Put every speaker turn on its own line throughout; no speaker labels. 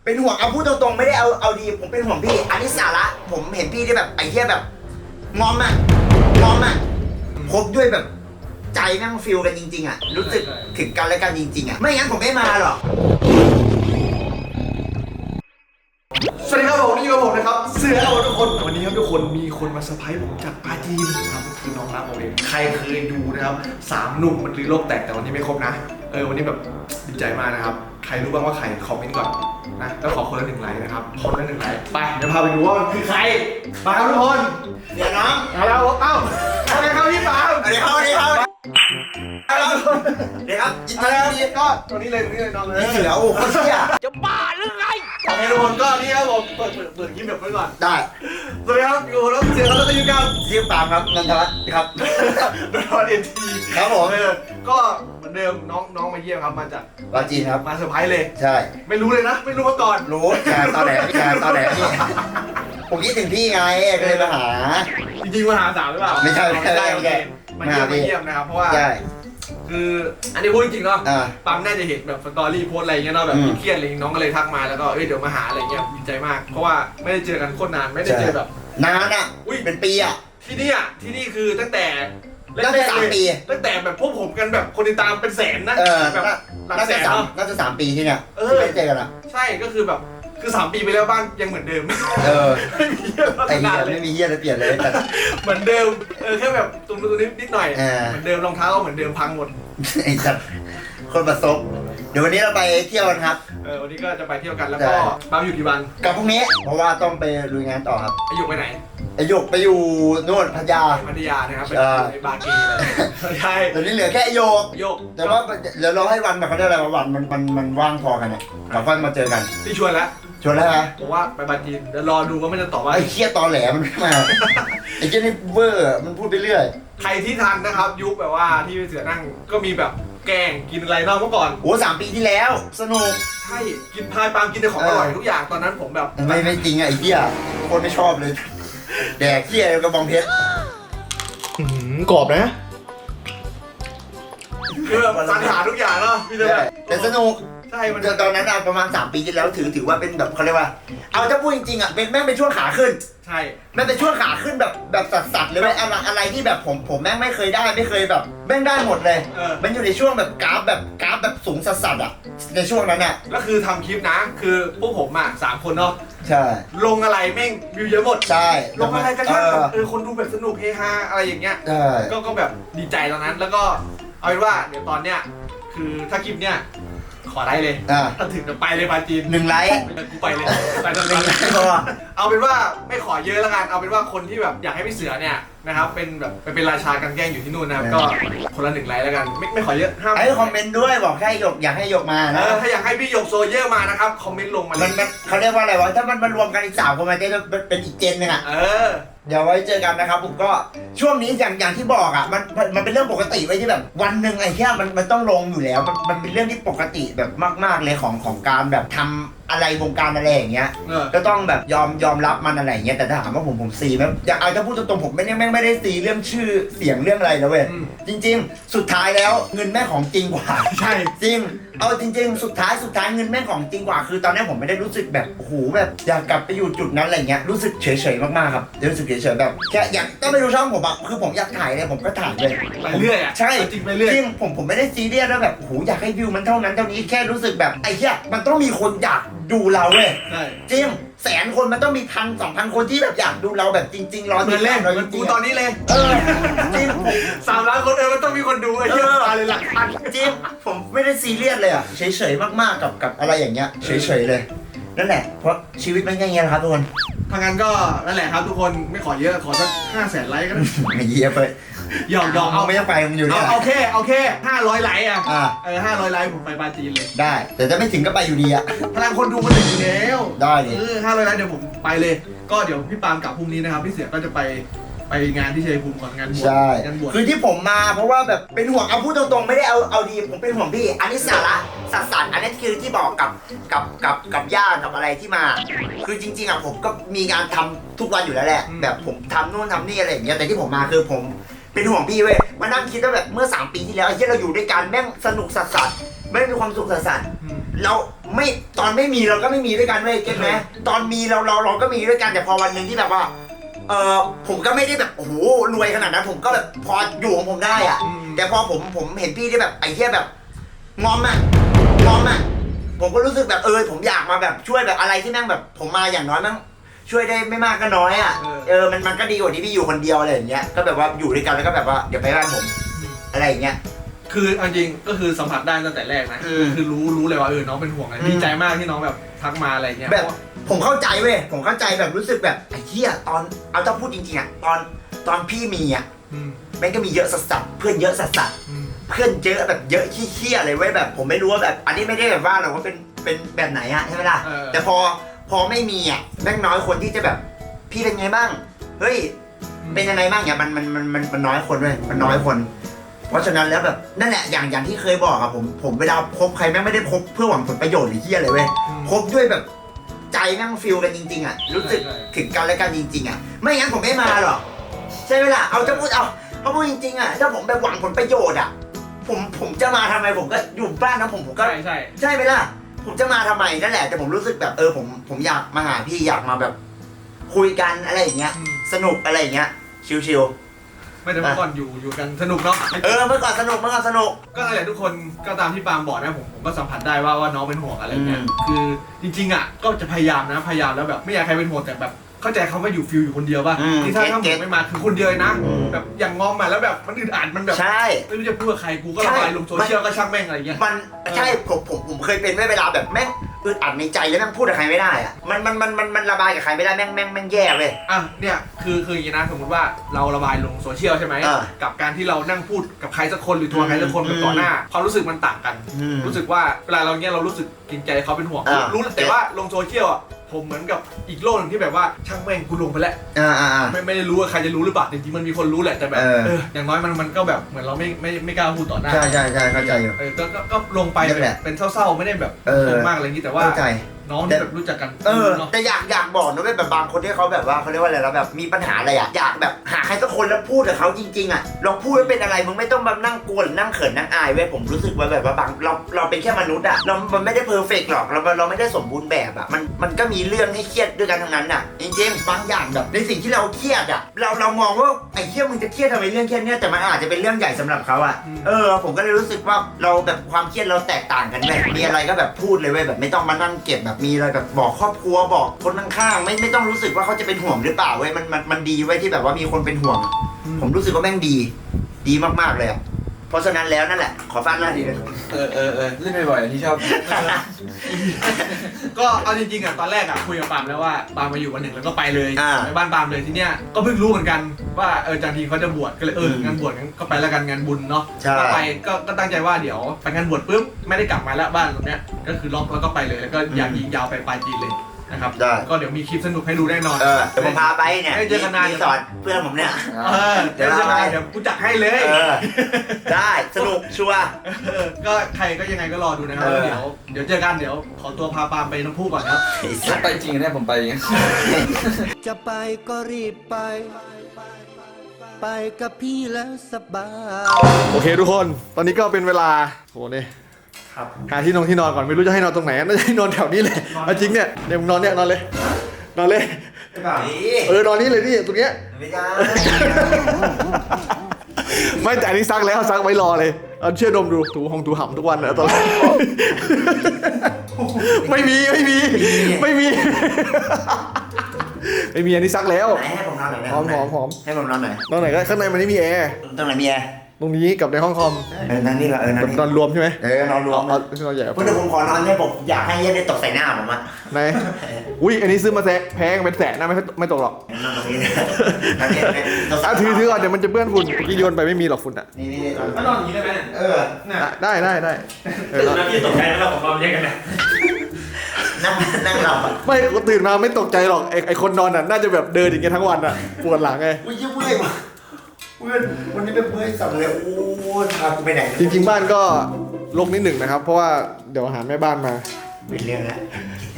เป็นห่วงเอาพูดตรงๆไม่ได้เอาดีผมเป็นห่วงพี่อันนี้สาระผมเห็นพี่ที่แบบไอ้เหี้ยแบบงอมคบด้วยแบบใจนั่งฟิลกันจริงๆอ่ะรู้สึกถึงกันและกันจริงๆอ่ะไม่งั้นผมไม่มาหรอก
สวัสดีครับผมนี่กับผมนะครับเสือเอาทุกคนวันนี้ครับทุกคนมีคนมาเซอร์ไพรส์ผมจากปาจีนครับคือน้องรักผมเองใครเคยดูนะครับ3 หนุ่มมันรือโลกแตกแต่วันนี้ไม่ครบนะวันนี้แบบดีใจมากนะครับใครรู้บ้างว่าใครคอมเมนต์ก่อนนะแล้วขอคนละ1 ไลค์นะครับคนละ1 ไลค์ไปเดี๋ยวพาไปดูว่ามันคือใครมาครับทุกคน
เดี๋ยวน้อง
มาแล้วเอ้าอะไรครับพี่ปาล์ม
เดี๋ยวครับเดี๋ยวครับ
ยินดีก็ตัวนี้เลยน้องเลย
นี่เสือโอ้โหเชี่ย
จะบ้าหรือไง
โอเคทุกคนก็นี่ครับผมเปิดคลิปแบบไว้ก่อน
ได้
สวัสดีครับอยู่แล้วเสือแล้วก็อยู่กับ
ชื่อปาล์มครับนันทวัฒน์ครับ
โดนวันเอ็นที
ครับผม
ก็เหมือนเดิมน้องมาเยี่ยมครับมาจาก
ปาจีนครับ
มาเซอร์ไพรส์เลย
ใช่
ไม่รู้เลยนะไม่รู้มาก่อน
รู้แกตอนไหนนี่ผมคิดถึงพี่ไงก็เลยมาหา
จริงๆมาหาสาวหรือเปล่า
ไม่ใช่
มาเยี่ยมนะครับเพราะว่า
ใช่
คืออันนี้พูดจริงเนาะปั๊มน่าจะเห็นแบบสตอรี่โพสอะไรเงี้ยเนาะแบบเครียดอะไรน้องก็เลยทักมาแล้วก็เดี๋ยวมาหาอะไรเงี้ยดีใจมากเพราะว่าไม่ได้เจอกันโคตรนานไม่ได้เจอแบบ
นานอ่ะเป็นปีอ่ะ
ที่นี่คือตั้งแต่
น่าจะ3 ปี
ตั้งแต่แบบพวกผมกันแบบคนติดตามเป็นแสนนะแบบหลักแสน
น่าจะ3 ปีที่เนี่ยไม่เจอกันอ่ะ
ใช่ก็คือแบบคือ3 ปีไปแล้วบ้านยังเหมือนเดิมไม่มีเยอะ
ไอ้เหี้ยไม่มีเหี้ยอะไรเปลี่ยนเลย
เหมือนเดิมแค่แบบตรงนี้นิดหน่อยเหมือนเดิมรองเท้าก็เหมือนเดิมพังหมด
ไอ้สัตว์คนประสบเดี๋ยววันนี้เราไปเที่ยวกันครับ
วันนี้ก็จะไปเที่ยวกันแล้วก็ปั๊มอยู่กี่วัน
กับพรุ่งนี้เพราะว่าต้องไปลุยงานต่อครับ
ไอหยกไปไหน
ไอหยกไปอยู่โน่นพัทยา
นะครับไปบาร์เกย์ใช่
ตอนนี้เหลือแค่หยกแต่ว่าเดี๋ยวเราให้วันแบบเขาเรียกอะไรวันมันว่างพอกันเนี่ยเราค่อยมาเจอกัน
พี่ชวนแล้ว
นะ
ผมว่าไปบาร์เกย์เดี๋ยวรอดูว่ามันจะตอบว่า
ไอ้เคี้ยตอแหลมันไม่มาไอ้เจ้านี่เวอร์มันพูดไปเรื่อย
ใครที่ทันนะครับยุคแบบว่าที่เสือนั่งก็มีแบบแกงกินอะไรนอกเมื่อก่อน
โอ้3 ปีที่แล้วสนุก
ใช่กินพายปาล์มกินแต่ของอร่อยทุกอย่างตอนนั้นผมแบบ
ไม่จริงไอ้เหี้ยคนไม่ชอบเลยแดกเหี้ยกระบองเพชร
กรอบนะคือแบบสรรหาทุกอย่างเนาะพี่
แต่สนุก
ใช่มัน
ตอนนั้นประมาณ3 ปีที่แล้วถือว่าเป็นแบบเขาเรียกว่าเอาถ้าพูดจริงๆอ่ะแม่งเป็นช่วงขาขึ้น
ใช่
แม่งเป็นช่วงขาขึ้นแบบสัสๆเลยอะไรที่แบบผมแม่งไม่เคยได้ไม่เคยแบบแม่งได้หมดเลยมันอยู่ในช่วงแบบกราฟแบบสูงสัสๆอ่ะในช่วงนั้นอ่ะ
ก็คือทำคลิปนะคือพวกผม3 คนเนาะ
ใช่
ลงอะไรแม่งวิวเยอะหมด
ใช่
ลงอะไรก็ช่างคนดูแบบสนุกเฮฮาอะไรอย่างเงี้ยก็แบบดีใจตอนนั้นแล้วก็เอาเป็นว่าเดี๋ยวตอนเนี้ยคือถ้าคลิปเนี้ยขอไลค์เลยถ้าถึงจะไปเลยปาจีน
1 ไลค์
กูไปเลยไปตอนนี้เอาเป็นว่าไม่ขอเยอะแล้วกันเอาเป็นว่าคนที่แบบอยากให้พี่เสือเนี่ยนะครับเป็นแบบไปเป็นราชากันแกล้งอยู่ที่นู่นนะครับก็คนละ1 ไลค์แล้วกันไม่ขอเยอะห้าม
ให้คอมเมนต์ด้วยบอกให้หยกอยากให้หยกมานะ
ถ้าอยากให้พี่หยกโซเยอร์มานะครับคอมเมนต์ลงมา
มันเขาเรียกว่าอะไรวะถ้ามันรวมกันอีก3 คนมันจะเป็นอีกเจนนึงอ่ะเดี๋ยวไว้เจอกันนะครับผมก็ช่วงนี้อย่างที่บอกอ่ะมันเป็นเรื่องปกติไว้ที่แบบวันหนึ่งไอ้เหี้ยมันต้องลงอยู่แล้วมันเป็นเรื่องที่ปกติแบบมากๆเลยของการแบบทำอะไรวงการอะไรอย่างเงี้ยก็ต้องแบบยอมรับมันอะไรอย่างเงี้ยแต่ถ้าถามว่าผมซีไหมอยากเอาถ้าพูดตรงๆผมไม่ได้ซีเรื่องชื่อเสียงเรื่องอะไรนะเว้ยจริงๆสุดท้ายแล้วเงินแม่ของจริงกว่า
ใช่
จริงเอาจริงๆสุดท้ายเงินแม่ของจริงกว่าคือตอนนี้ผมไม่ได้รู้สึกแบบโอ้โหแบบอยากกลับไปอยู่จุดนั้นอะไรเงี้ยรู้สึกเฉยๆมากๆครับรู้สึกเฉยๆแบบแค่อยากต้องไปดูช่องผมอะคือผมอยากถ่ายเลยผมก็ถ่ายเลย
ไปเรื่อยอะ
ใช่
จริงไปเรื่อย
จริงผมไม่ได้ซีเรียสแล้วแบบโอ้โหอยากให้วิวมันเท่านั้นเท่านี้แค่รู้สึกแบบไอ้เหี้ยมันต้องมีคนอยากดูเราเว้ยจริง100,000 คนมันต้องมี1,000-2,000 คนที่แบบอยากดูเราแบบจริงๆรอ
เหมือนเล่นเหมือนกูตอนนี้เลย
จริง
3 ล้านคนมันต้องมีคนดูไอ้เหี้ยมาเลยหลักพัน
จริงผมไม่ได้ซีเรียสเลยอะเฉยๆมากๆกับอะไรอย่างเงี้ยเฉยๆเลยนั่นแหละเพราะชีวิตมันแค่นี้แหละครับทุกคน
ทางนั้นก็นั่นแหละครับทุกคนไม่ขอเยอะขอสัก500,000 ไลค์ก็ได้
ไม่เยอะไป
หยอก
เอาไม่ต้องไปมันอยู่เนี่ย
โอเค500 ไลค์500 ไลค์ผมไปปาจีนเลย
ได้แต่จะไม่ถึงก็ไปอยู่ดีอะ
พลังคนดูมันถึงอยู่แล้ว
ได้ดิ
500 ไลค์เดี๋ยวผมไปเลยก็เดี๋ยวพี่ปาล์มกลับพรุ่งนี้นะครับพี่เสือก็จะไปงานที่ชัยภูมิก่อนงานบวช
คือที่ผมมาเพราะว่าแบบเป็นห่วงเอาพูดตรงๆไม่ได้เอาดีผมเป็นห่วงพี่อันนี้สาระสัสๆอันนี้คือที่บอกกับญาติกับอะไรที่มาคือจริงๆอ่ะผมก็มีงานทำทุกวันอยู่แล้วแหละแบบผมทำนู่นทำนี่อะไรอย่างเงี้ยแต่ที่ผมมาคือผมเป็นห่วงพี่เว้ยมานั่งคิดว่าแบบเมื่อ3 ปีที่แล้วไอ้ที่เราอยู่ด้วยกันแม่งสนุกสัสๆไม่มีความสุขสัสเราไม่ตอนไม่มีเราก็ไม่มีด้วยกันเว้ยเก็ตไหมตอนมีเราก็มีด้วยกันแต่พอวันหนึ่งที่แบบว่าผมก็ไม่ได้แบบโอ้โหรวยขนาดนั้นผมก็แบบพออยู่ของผมได้อะแต่พอผมเห็นพี่ที่แบบไอ้เหี้ยแบบงอมอะผมก็รู้สึกแบบผมอยากมาแบบช่วยแบบอะไรที่แม่งแบบผมมาอย่างน้อยแม่งช่วยได้ไม่มากก็น้อยอ่ะมันก็ดีกว่าที่พี่อยู่คนเดียวอะไรอย่างเงี้ยก็แบบว่าอยู่ด้วยกันแล้วก็แบบว่าเดี๋ยวไปบ้านผมอะไรอย่างเงี้ย
คือจริงก็คือสัมผัสได้ตั้งแต่แรกนะคือรู้เลยว่าน้องเป็นห่วงดีใจมากที่น้องแบบทักมาอะไรเงี้ย
แบบผมเข้าใจเว้ยผมเข้าใจแบบรู้สึกแบบไอ้เหี้ยตอนเอาต้องพูดจริงๆอ่ะตอนพี่มีอ่ะแม่งก็มีเยอะสัสๆเพื่อนเยอะสัสๆเพื่อนเยอะแบบเยอะเหี้ยๆเลยเว้ยแบบผมไม่รู้ว่าแบบอันนี้ไม่ได้แบบว่าหรอกว่าเป็นแบบไหนอะใช่ไหมล่ะแต่พอไม่มีอ่ะแม่งน้อยคนที่จะแบบพี่เป็นไงบ้างเฮ้ยเป็นยังไงบ้างเนี่ยมันน้อยคนเลยมันน้อยคนเพราะฉะนั้นแล้วแบบนั่นแหละอย่างที่เคยบอกอะผมเวลาคบใครแม่งไม่ได้คบเพื่อหวังผลประโยชน์หรือเหี้ยอะไรเว้ยคบด้วยแบบใจแม่งฟีลกันจริงๆอะรู้สึกถึงกันและกันจริงๆอะไม่งั้นผมไม่มาหรอกใช่ไหมล่ะเอาพูดจริงๆอะถ้าผมไปหวังผลประโยชน์อะผมจะมาทำไมผมก็อยู่บ้านนะผมก็ใช่ไหมล่ะผมจะมาทำไมนั่นแหละแต่ผมรู้สึกแบบผมอยากมาหาพี่อยากมาแบบคุยกันอะไรอย่างเงี้ยสนุกอะไรอย่างเงี้ยชิวๆ
ไม่แต่เมื่อก่อนอยู่กันสนุกเนาะ
เมื่อก่อนสนุก
ก็อะไรทุกคนก็ตามที่ปาล์มบอกนะผมก็สัมผัสได้ว่าน้องเป็นห่วงอะไรเงี้ยคือจริงๆอ่ะก็จะพยายามแล้วแบบไม่อยากใครเป็นห่วงแต่แบบเข้าใจเขาว่าอยู่ฟิลอยู่คนเดียวป่ะที่ถ้าผมไม่มาคือคนเดียวนะแบบอย่างงอมมาแล้วแบบมันอึดอัดมันแบบไม่รู้จะพูดกับใครกูก็ระบายลงโซเชียลก็ช่างแม่งอะไรเงี้ย
มันใช่ผมเคยเป็นเวลาแบบแม่งอึดอัดในใจแล้วแม่งพูดกับใครไม่ได้อะมันระบายกับใครไม่ได้แม่งแย่เลย
เนี่ยคืออย่างนี้นะสมมติว่าเราระบายลงโซเชียลใช่ไหมกับการที่เรานั่งพูดกับใครสักคนหรือทัวร์ใครสักคนแบบต่อหน้าความรู้สึกมันต่างกันรู้สึกว่าเวลาเราเนี้ยเรารู้สึกเกรงใจเขาเป็นห่วงรู้แต่ว่าลงโซเชียลอ่ะผมเหมือนกับอีกโลกหนึ่งที่แบบว่าช่างแม่งกูลงไปแล้วไม่ได้รู้ว่าใครจะรู้หรือเปล่าจริงๆมันมีคนรู้แหละแต่แบบอย่างน้อยมันก็แบบเหมือนเราไม่กล้าพูดต่อหน้า
ใช่เข้าใจอยู่
ก็ลงไปแบบเป็นเศร้าๆไม่ได้แบบมากอะไรอย่างนี้แต่ว่าน้องที่แบบรู้จักกัน
แต่อยากบอกนะว่าแบบบางคนที่เขาแบบว่าเขาเรียกว่าอะไรแล้วแบบมีปัญหาอะไรอยากแบบหาใครสักคนแล้วพูดกับเขาจริงๆอ่ะลองพูดว่าเป็นอะไรมึงไม่ต้องแบบนั่งกลัวหรือนั่งเขินนั่งอายเว้ยผมรู้สึกว่าแบบว่าบางเราเป็นแค่มนุษย์อ่ะมันไม่ได้เพอร์เฟกต์หรอกเราไม่ได้สมบูรณ์แบบอ่ะมันก็มีเรื่องให้เครียดด้วยกันทั้งนั้นอ่ะจริงๆบางอย่างแบบในสิ่งที่เราเครียดอ่ะเรามองว่าไอ้เครียดมึงจะเครียดทำไมเรื่องแค่นี้แต่มันอาจจะเป็นเรื่องใหญ่สำหรับเขาอ่ะผมก็เลยรู้สึกว่าเราแบบความเครียดเราแตกต่างกันเลยมีอะไรก็แบบพูดเลยเว้ยแบบไม่ต้องมานั่งเก็บแบบมีอะไรแบบบอกครอบครัวบอกคนข้างๆไม่ต้องรู้สึกว่าเขาจะเป็นห่วงหรือเปล่าเว้ยมันดีไว้ที่แบบว่ามีคนเป็นห่วงผมรู้สึกว่าแม่งดีมากๆเลยอ่ะเพราะฉะนั้นแล้วนั่นแหละขอฟังหน้าทีเลย
เล่นบ่อยๆที่ชอบ
ก็เอาจริงๆอ่ะตอนแรกอ่ะคุยกับปาล์มแล้วว่าปาล์มมาอยู่วันหนึ่งแล้วก็ไปเลยไปบ้านปาล์มเลยทีเนี้ยก็เพิ่งรู้เหมือนกันว่าจันทีเขาจะบวชก็เลยงานบวชงั้นก็ไปแล้วกันงานบุญเนาะก็ไปก็ตั้งใจว่าเดี๋ยวไปงานบวชปุ๊บไม่ได้กลับมาแล้วบ้านตรงเนี้ยก็คือล็อกแล้วก็ไปเลยแล้วก็อยากยิงยาวไปปลายปีเลยนะครับก็เดี๋ยวมีคลิปสนุกให้ดูแน่นอน
เดี๋ยวผมพาไปเนี่ย
เจอกันนาน
สอนเพื่อนผมเนี่ย
เดี๋ยวกูจัดให้เลย
ได้สนุกชัวร์
ก็ใครก็ยังไงก็รอดูนะครับเดี๋ยวเจอกันเดี๋ยวขอตัวพาปาล์มไปน้ำพุก่อนครับ
ไปจริงเนี่ยผมไปอย่างเงี้ย
จะไปก็รีบไปกับพี่แล้วสบาย
โอเคทุกคนตอนนี้ก็เป็นเวลาโหนี่หาที่นอนก่อนไม่รู้จะให้นอนตรงไหนน่าจะให้นอนแถวนี้เลยเอาจริงเนี่ยมึงนอนเนี่ยนอนเลยนอนนี้เลยนี่ตรงเนี้ย
ไม่ได้
ไม่แต่อันนี้ซักแล้วซักไว้รอเลยเอาเชื่อดมดูถูหำทุกวันนะตอนไม่มีอันนี้ซักแล้ว
ให้ผมนอนหน่อยนะ
หอม
ให้ผมนอนหน่อย
นอนไหนก็ข้างในมันไม่มีแอร์
ตรงไหนมีแอร์
ตรงนี้กับในห้องคอม
นั่นนี่ละ
นอนรวมใช่ไหม
นอนรวม
นอนใหญ่
เพื่อนผมขอนอนเนี่ยผมอยากให้เย็นได้ตกใส่หน้าผมอ่ะ
ไหนอุ้ยอันนี้ซื้อมาแพงเป็นแสนนะไม่ตกหรอก
นอนตรงนี้
ถือก่อนเดี๋ยวมันจะเปื้อนฝุ่นกี่โยนไปไม่มีหรอกฝุ่นอ่ะ
นี่
ก็นอนอย่างนี้ได้ไหม
ได้
ตื่นมาที่ตกใจแล้วผมนอนแยกกันนะ
นั่งหลับ
ไม่ตื่นมาไม่ตกใจหรอกไอคนนอนน่ะน่าจะแบบเดินอย่างเงี้ยทั้งวันอ่ะปวดหลังไง
อุ้ยเมื่อยว่ะวันนี้เป็นเมื่อยสั่นเลยโอ้พากูไปไหน
จริงๆบ้านก็รกนิดหนึ่งนะครับเพราะว่าเดี๋ยวหาแม่บ้านมา
เป็นเรื่องแล้ว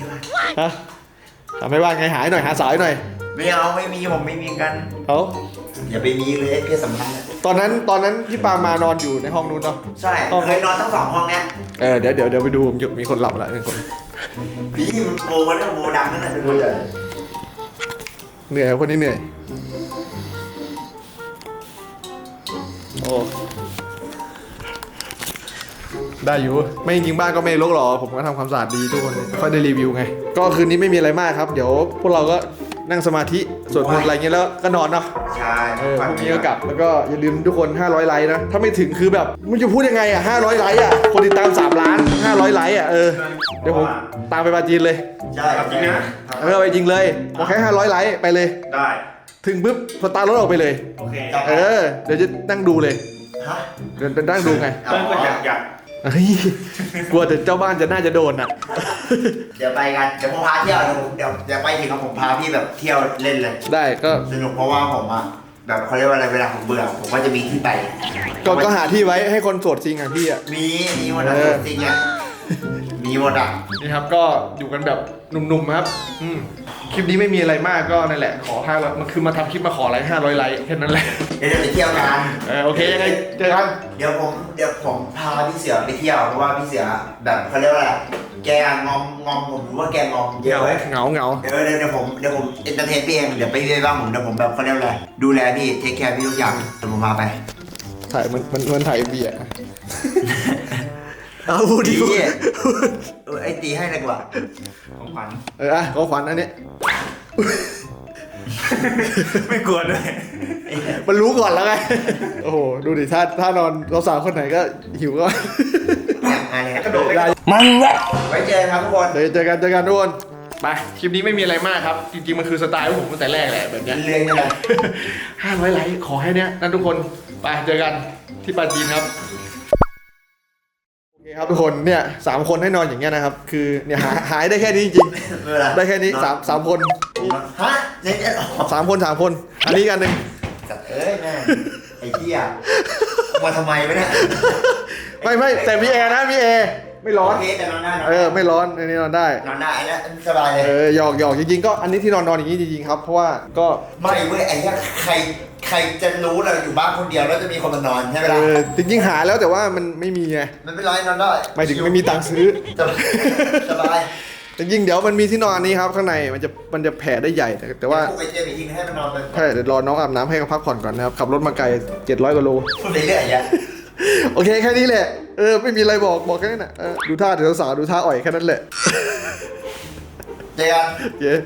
ฮะหาแม่บ้านไงหาหน่อยหาสาวหน่อย
ไม่เอาไม่มีผมไม่มีกัน
เอา
อย่าไปมีเลยเพศสัมพันธ์อะ
ตอนนั้นพี่ปามานอนอยู่ในห้องนู้นเนาะ
ใช่เคยนอนทั้ง2 ห้องเนี้ย
เดี๋ยวไปดูผมมีคนหลับแล้ว1 คน
พี่มันโมมันเรื่องโมดังนั่นแหละเป็นโมใหญ่
เหนื่อยคนนี้เหนื่อยโอ้ได้อยู่ไม่จริงบ้านก็ไม่รกหรอกผมก็ทำความสะอาดดีทุกคนค่อยได้รีวิวไงก็คืนนี้ไม่มีอะไรมากครับเดี๋ยวพวกเราก็นั่งสมาธิสวดมนต์อะไรเงี้ยแล้วก็นอนเนาะ
ใช่
พรุ่งนี้ก็กลับแล้วก็อย่าลืมทุกคน500ไลค์นะถ้าไม่ถึงคือแบบมันจะพูดยังไงอ่ะ500ไลค์อ่ะคนติดตาม3 ล้าน500ไลค์อ่ะเดี๋ยวผมตามไปปาจีนเลย
ใช่จริงนะ
ไปจริงเลยขอแค่500ไลค์ไปเลย
ได้
ถึงปุ๊บสตาร์ทรถออกไปเลย
โอเค
เดี๋ยวจะนั่งดูเลย
ฮะ
เดี๋ยวนั่งดูไง
เติ้ลก็อยาก
เฮ้ยกลัวแต่เจ้าบ้านจะน่าจะโดนอ่ะ
เดี๋ยวไปกันเดี๋ยวผมพาเที่ยวเดี๋ยวไปถึงผมพาพี่แบบเที่ยวเล่นเลย
ได้ก็
สนุกเพราะว่าผมอะแบบเขาเรียกว่าอะไรเวลาผมเบื่อผมก็จะมีที่ไป
ก็หาที่ไว้ให้คนโสดจริงอ่ะพี่อ่ะ
มีหมดอะจริงอะมีหมดอะ
นี่ครับก็อยู่กันแบบหนุ่มๆครับคลิปนี้ไม่มีอะไรมากก็นั่นแหละขอ500มันคือมาทำคลิปมาขอไลค์500ไลค์แค่นั้นแหละ
เดี๋ยวไปเที่ยวกัน
โอเคยังไงเจอกัน
เดี๋ยวผมพาพี่เสือไปเที่ยวเพราะว่าพี่เสือแบบเขาเรียกว่าอะไรแกงอมผมรู้ว่าแกงอมเยอะเลย
เหงา
เดี๋ยวผมเอนเตอร์เทนพี่เองเดี๋ยวไปเรื่อยบ้างผมเดี๋ยวผมแบบเขาเรียกว่าอะไรดูแลพี่เทคแคร์พี่ทุกอย่างเดี๋ยวผมพาไป
ถ่ายมันถ่ายเบียร์เอาพูดดิ
ไอ้ตีให้ดีกว่า
ของขวัญ
ของขวัญอันนี้
ไม่กลัวด้วย
มันรู้ก่อนแล้วไงโอ้โหดูดิถ้านอนเราสาวคนไหนก็หิวก็
อะไร
กระโดดได้
มันแหละไว้เจอกันครับทุกคน
เดี๋ยวเจอกันทุกคนไปคลิปนี้ไม่มีอะไรมากครับจริงๆมันคือสไตล์ของผมตั้งแต่แรกแหละแบบเนี้ย
เรียนกันเลย
500ไลค์ขอให้เนี้ยนั่นทุกคนไปเจอกันที่ปาจีนครับโอเคครับทุกคนเนี่ย3 คนให้นอนอย่างเงี้ยนะครับคือเนี่ยหายได้แค่นี้จริงๆได้แค่นี้3 คน
ฮะเนี่ย
3 คนอันนี้กันหนึ่ง
สัตว์เอ้ยแม่ไอ้เหี้ยมาทำไมวะเนี่ย
ไม่แต่มีแอร์นะมีแอร์ไม่ร้อน
โอเคแต่นอนได้
ไม่ร้อนอันนี้นอนได้
นอนได้อันนี้สบายเลย
หยอกจริงๆก็อันนี้ที่นอนอย่างนี้จริงๆครับเพราะว่าก็
ไม่เว้ยไอ้เหี้ยใครจะรู้เราอยู่บ้านคนเดียวแล้วจะมีคนมานอนใช่ไหมล่ะ
จริงๆหาแล้วแต่ว่ามันไม่มีไง
มันไม่ร้อยนอนได้
หมายถึงไม่มีตังค์ซื้อ
สบาย
จริงๆเดี๋ยวมันมีที่นอนอันนี้ครับข้างในมันจะแผ่ได้ใหญ่แต่ว่า
พวกไอ้เจมอีกทีให้มันนอนไป
ใช่เดี๋ยวรอน้องอาบน้ำให้เขาพักผ่อนก่อนนะครับขับรถมาไกล700 กว่าโล
พูดไปเรื่อยอ่ะ
โอเคแค่นี้แหละไม่มีอะไรบอกแค่นั้นน่ะดูท่าเดี๋ยวสาวดูท่าอ่อยแค่นั้นแหละ
เจอกัน
เย้